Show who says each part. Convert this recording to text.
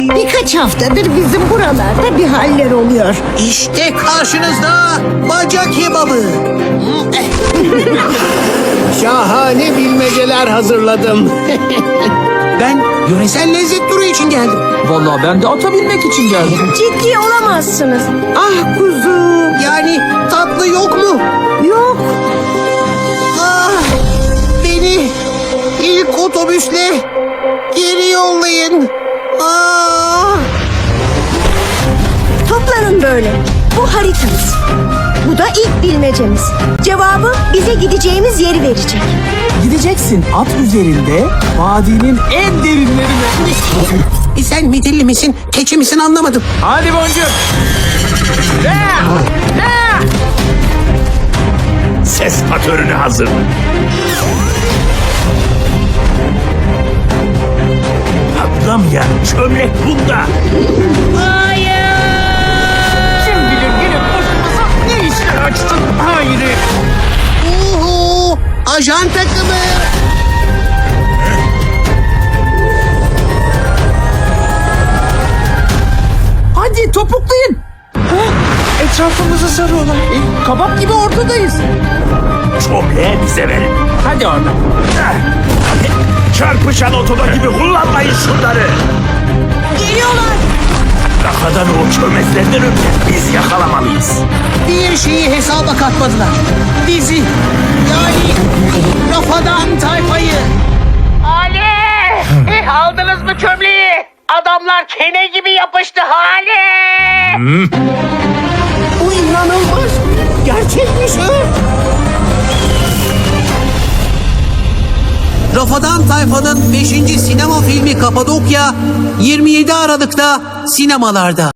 Speaker 1: Birkaç haftadır bizim buralarda bir haller oluyor.
Speaker 2: İşte karşınızda bacak kebabı.
Speaker 3: Şahane bilmeceler hazırladım.
Speaker 2: Ben yöresel lezzet turu için geldim.
Speaker 4: Vallahi ben de ata binmek için geldim.
Speaker 1: Ciddi olamazsınız. Ah kuzum.
Speaker 2: Yani tatlı yok mu?
Speaker 1: Yok.
Speaker 2: Ah, beni ilk otobüsle geri yollayın. Ah.
Speaker 1: Toplanın böyle. Bu haritamız. Bu da ilk bilmecemiz. Cevabı bize gideceğimiz yeri verecek.
Speaker 4: Gideceksin at üzerinde vadinin en derinlerine.
Speaker 2: Sen midilli misin, keçi misin anlamadım.
Speaker 4: Hadi boncuk.
Speaker 5: Ses patörünü hazır. Patlamayan çömlek bunda.
Speaker 4: Kim bilir gelip başımıza ne işler açtın Hayri.
Speaker 2: Uhu, ajan takımı.
Speaker 4: Hadi topuklayın. Etrafımızı sarıyorlar. Kabak gibi ortadayız.
Speaker 5: Çömleği bize verin.
Speaker 4: Hadi oradan.
Speaker 5: Çarpışan otoda gibi kullanmayın şunları.
Speaker 1: Geliyorlar.
Speaker 5: Kafadan o çömezlerden önce biz yakalamalıyız.
Speaker 2: Bir şeyi hesaba katmadılar. Bizi, yani Rafadan tayfayı.
Speaker 6: Ali! Aldınız mı çömleği? Adamlar kene gibi yapıştı Ali!
Speaker 2: Bu inanılmaz. Gerçekmiş ha. Rafadan Tayfa'nın 5. sinema filmi Kapadokya 27 Aralık'ta sinemalarda.